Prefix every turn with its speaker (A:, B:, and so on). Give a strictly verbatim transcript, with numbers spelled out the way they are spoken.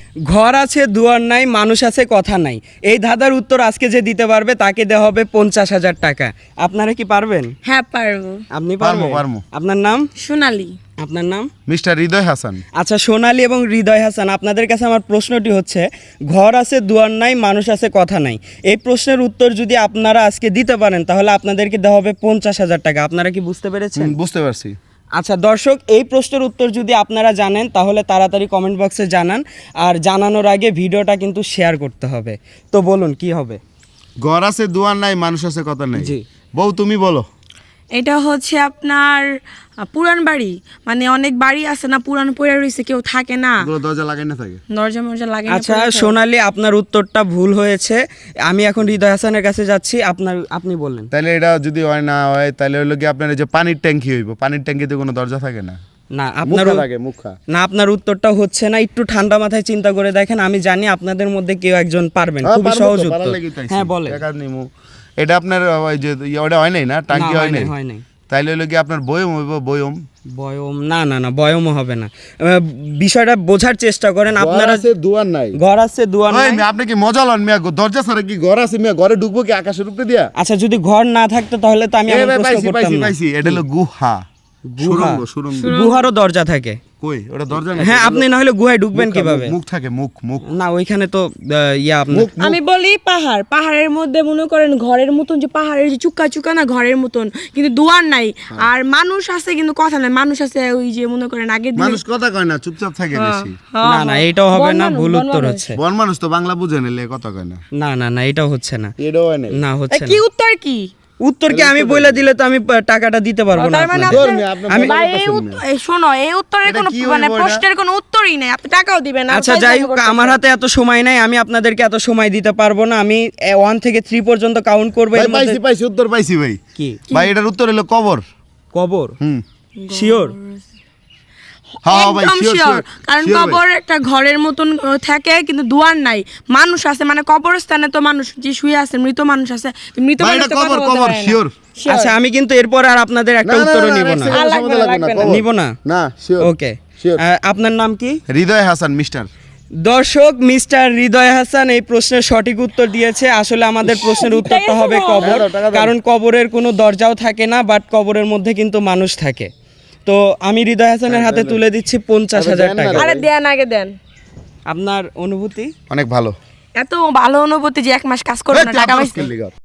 A: ঘর আছে দুয়ার নাই, মানুষ আছে কথা নাই। এই ধাঁধার উত্তর আজকে যে দিতে পারবে তাকে দেওয়া হবে পঞ্চাশ হাজার টাকা। আপনারা কি পারবেন?
B: হ্যাঁ পারবো।
A: আপনি
C: পারবো
A: পারবেন?
C: পারবো।
A: আপনার নাম?
B: সোনালি।
A: আপনার নাম?
C: মিস্টার হৃদয় হাসান।
A: আচ্ছা, সোনালী এবং হৃদয় হাসান, আপনাদের কাছে আমার প্রশ্নটি হচ্ছে, ঘর আছে দুয়ার নাই, মানুষ আছে কথা নাই। এই প্রশ্নের উত্তর যদি আপনারা আজকে দিতে পারেন তাহলে আপনাদেরকে দেওয়া হবে পঞ্চাশ হাজার টাকা। আপনারা কি বুঝতে পেরেছেন?
C: হুম, বুঝতে পারছি।
A: আচ্ছা দর্শক, এই প্রশ্নের উত্তর যদি আপনারা জানেন তাহলে তাড়াতাড়ি কমেন্ট বক্সে জানান, আর জানানোর আগে ভিডিওটা কিন্তু শেয়ার করতে হবে। তো বলুন কি হবে?
C: ঘর আছে দুয়ার নাই, মানুষ আছে কথা নাই।
A: জি।
C: বউ তুমি বলো।
B: এটা হচ্ছে আপনার আহ, পুরান বাড়ি, মানে অনেক বাড়ি আছে না পুরান পড়ে রয়েছে, কেউ থাকে না,
C: এগুলো দরজা লাগাই না থাকে।
B: দরজা মরজা লাগে না
A: আচ্ছা
B: পড়ে থাকে।
A: সোনালী, আপনার উত্তরটা ভুল হয়েছে। আমি এখন হৃদয় হাসানের কাছে যাচ্ছি। আপনার আপনি বললেন।
C: তাহলে এটা যদি হয় না হয় তাহলে হলো কি আপনার এই যে পানির ট্যাঙ্কি হইব, পানির ট্যাঙ্কিতে কোনো দরজা থাকে না,
A: না আপনার
C: মুখা
A: উ-
C: থাকে মুখা।
A: না আপনার উত্তরটা হচ্ছে না। একটু ঠান্ডা মাথায় চিন্তা করে দেখেন। আমি জানি আপনাদের মধ্যে কেউ একজন পারবেন।
C: হ্যাঁ,
A: খুবই
C: পারবো
A: সহজ
C: তো,
A: উত্তর।
C: পারার লাগেই তো আইছি।
A: হ্যাঁ বলেন।
C: টাকা নিমু। এটা আপনার ওই যে ইয়ে ওটা হয় নাই না, টাঙ্কি
A: না,
C: হয় নাই।
A: হয় নাই।
C: তাইলে হলো কি আপনার বয়ম হইব, বয়ম।
A: বয়ম না না না বয়মও হবে না। আহ, বিষয়টা বোঝার চেষ্টা করেন আপনারা।
C: দুয়ার নাই।
A: ঘর আছে দুয়ার
C: ওই
A: নাই।
C: মিয়া, আপনি কি মজা লন মিয়া? দরজা ছাড়া কি ঘর আছে মিয়া? ঘরে ঢুকবো কি আকাশের উপরে দিয়া?
A: আচ্ছা যদি ঘর না থাকতো তাহলে তো আমি
C: এ
A: এমন
C: ভাই,
A: প্রশ্ন
C: পাইছি
A: করতাম
C: পাইছি
A: না।
C: পাইছি, এটা হলো গুহা।
A: গুহা।
C: সুড়ঙ্গ সুড়ঙ্গ।
A: গুহারও দরজা থাকে।
C: কই ওটা দরজা না?
A: হ্যাঁ, আপনি না হলে গুহায় ঢুকবেন
C: মুখ,
A: কিভাবে?
C: মুখ থাকে, মুখ মুখ
A: না ওইখানে তো আহ, ইয়া আপনার
C: মুখ মুখ।
B: আমি বলি পাহাড়, পাহাড়ের মধ্যে মনে করেন ঘরের মতন, যে পাহাড়ের যে চুক্কা চুক্কা না, ঘরের মতন, কিন্তু দুয়ার নাই। আর মানুষ আছে কিন্তু কথা নাই। মানুষ আছে ওই যে মনে করেন আগের দিনে
C: মানুষ কথা কয় না, চুপচাপ থাকে বেশি।
B: হ্যাঁ,
A: না না
B: হ্যাঁ।
A: এইটাও হবে
B: বন
A: না,
B: মানুষ,
A: ভুল
B: বন
A: উত্তর
B: মানুষ।
A: হচ্ছে।
C: বন মানুষ তো বাংলা বুঝে নিলে কথা কয় না।
A: না না না এটাও হচ্ছে না।
C: এটাও হয় নাই।
A: না
B: এ,
A: হচ্ছে
B: কি
A: না।
B: উত্তর কি?
A: উত্তর কি আমি বলে দিলে তো আমি আহ, টাকাটা দিতে পারবো না
B: তার মানে
A: আপনাদের।
C: ধর মিয়া, আপনি
B: আমি
C: বলেন
B: এই
C: তো
B: উত্তর- এই শোনো, এই উত্তরের
C: এটা
B: কোনো
C: কি
B: মানে
C: হইবো এটা?
B: প্রশ্নের কোনো উত্তরই নাই, আপনি টাকাও দিবেন না।
A: আচ্ছা
B: আমি
A: যাই
B: ফাইজলামি
A: হোক,
B: করতেছি।
A: আমার হাতে এত সময় নাই, আমি আপনাদেরকে এত সময় দিতে পারবো না। আমি ওয়ান থেকে থ্রি পর্যন্ত কাউন্ট করবো।
C: ভাই
A: এর মধ্যে
C: পাইছি পাইছি, উত্তর পাইছি ভাই।
A: কি?
C: ভাই এটার উত্তর হলো কবর।
A: কবর?
C: হুম।
A: শিওর?
C: হ্যাঁ ভাই,
B: একদম
C: sure,
B: শিওর,
C: sure,
B: কারণ
C: sure ভাই।
B: কবর একটা ঘরের মতন আহ, থাকে, কিন্তু দুয়ার নাই। মানুষ আছে, মানে কবরস্থানে তো মানুষ যে শুয়ে আছে, মৃত মানুষ আছে, মৃত
C: ভাই
B: মানুষ
C: এটা
B: তো কথা
C: কবর,
B: বলতে
C: কবর,
B: পারে না।
C: sure।
B: Sure।
A: আচ্ছা আমি কিন্তু এরপর আর আপনাদের একটা উত্তরও নিব না।
B: আর লাগবে না, লাগবে না।
A: নিব না?
C: না, শিওর।
A: ওকে।
C: Sure.
A: আপনার নাম কি?
C: হৃদয় হাসান মিস্টার।
A: দর্শক, মিস্টার হৃদয় হাসান এই প্রশ্নের সঠিক উত্তর দিয়েছে। আসলে আমাদের প্রশ্নের উত্তরটা হবে কবর,
C: টাকা দাও, টাকা দাও।
A: কারণ কবরের কোনো দরজাও থাকে না, বাট কবরের মধ্যে কিন্তু মানুষ থাকে। তো আমি হৃদয় হাসানের হাতে তুলে দিচ্ছি পঞ্চাশ
C: আরে
A: হাজার
C: দেন না
A: টাকা।
C: রে।
B: আরে দেন, আগে দেন।
A: আপনার অনুভূতি?
C: অনেক ভালো।
B: এত ভালো অনুভূতি যে এক মাস কাজ করবে না, টাকা পাইছে।
C: লিগা